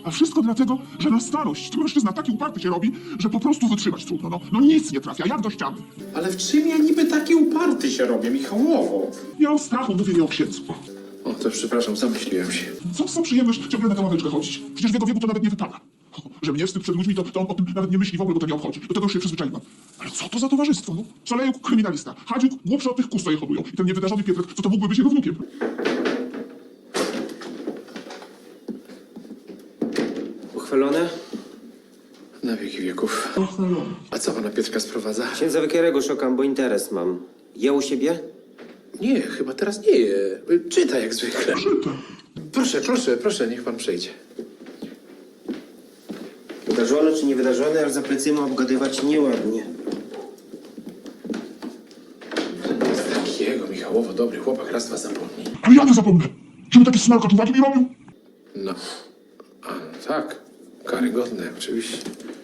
A wszystko dlatego, że na starość mężczyzna taki uparty się robi, że po prostu wytrzymać trudno. No nic nie trafia, jak do ściany. Ale w czym ja niby taki uparty się robię, Michałowo? Ja o strachu mówię, nie o księdzu. O, to przepraszam, zamyśliłem się. Co za przyjemność ciągle na tę ławeczkę chodzić? Przecież w jego wieku to nawet nie wypada. Że mnie wstyd przed ludźmi, to on o tym nawet nie myśli w ogóle, bo to nie obchodzi. Do tego już się przyzwyczaiłem. Ale co to za towarzystwo, no? Szalejuk kryminalista, Hadziuk głupszy od tych kus, co je hodują. I ten niewydarzony Pietrek, co to mógłby być jego wnukiem. Uchwalone? Na wieki wieków. A co pana Piotrka sprowadza? Księdza Wykierego szukam, bo interes mam. Je u siebie? Nie, chyba teraz nie je. Czyta jak zwykle. Czyta. Proszę, niech pan przejdzie. Wydarzone czy niewydarzone, aż za plecyma obgadywać nieładnie. Z takiego, Michałowo, dobry chłopak, raz was zapomni. Ale ja nie zapomnę. Żeby taki smarkacz uwagi mi robił? No. A, no tak. Karygodne, oczywiście.